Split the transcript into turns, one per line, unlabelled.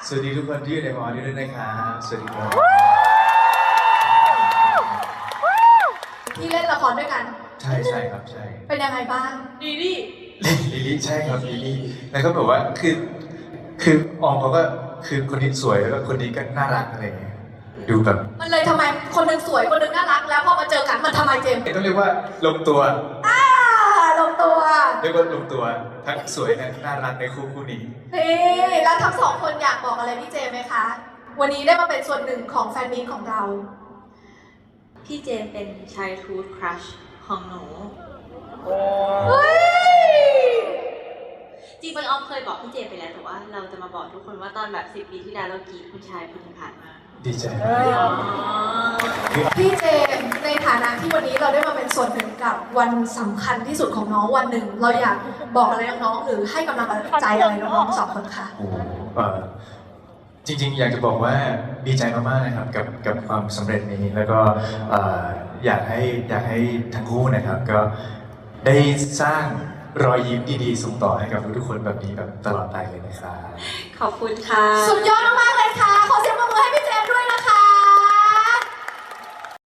สวัสดีทุกคนที่อยู่ในหอนี้ด้วยนะครับสวัสดีครับ
ที่เล่นละครด้วยกัน
ใช่ครับใช่
เป็นยังไงบ้าง
ดีดิ
ลิลี่ใช่ครับลิลี่แล้วก็แบบว่าคือออมเขาก็คือคนนี้สวยแล้วก็คนนี้ก็น่ารักอะไรเงี้ยดูแบบ
มันเลยทำไมคนหนึ่งสวยคนหนึ่งน่ารักแล้วพอมาเจอกันมันทำไมเจมส์
ต้องเรียกว่าลงตัว
ลงตัว
เรียกว่าลงตัวทั้งสวยและน่ารักในคู่นี้
นี่แล้วทั้งสองคนอยากบอกอะไรพี่เจมส์ไหมคะวันนี้ได้มาเป็นส่วนหนึ่งของแฟนมีตของเรา
พี่เจมเป็นชายทูธครัชของหนูจริงๆออมเคยบอกพี่เจมไปแล้วแต่ว่าเราจะมาบอกทุกคนว่าตอนแบบ10 ปีที่แล้วเรากรีดผู้ชายพุทธผ่านมา
ดีใจ
พี่เจมส์ในฐานะที่วันนี้เราได้มาเป็นส่วนหนึ่งกับวันสำคัญที่สุดของน้องวันหนึ่งเราอยากบอกอะไรน้องๆหรือให้กำลังใจอะไรน้องๆสองคนคะ
โอ้จริงๆอยากจะบอกว่าดีใจมากๆนะครับกับความสำเร็จนี้แล้วก็อยากให้ทั้งคู่นะครับก็ได้สร้างรอยยิ้มดีๆส่งต่อให้กับทุกๆคนแบบนี้แบบตลอดไปเลยนะครับ
ขอบคุณค่ะ
สุดยอดมากๆเลยค่ะขอเสียงปรบมือให้พี่เจ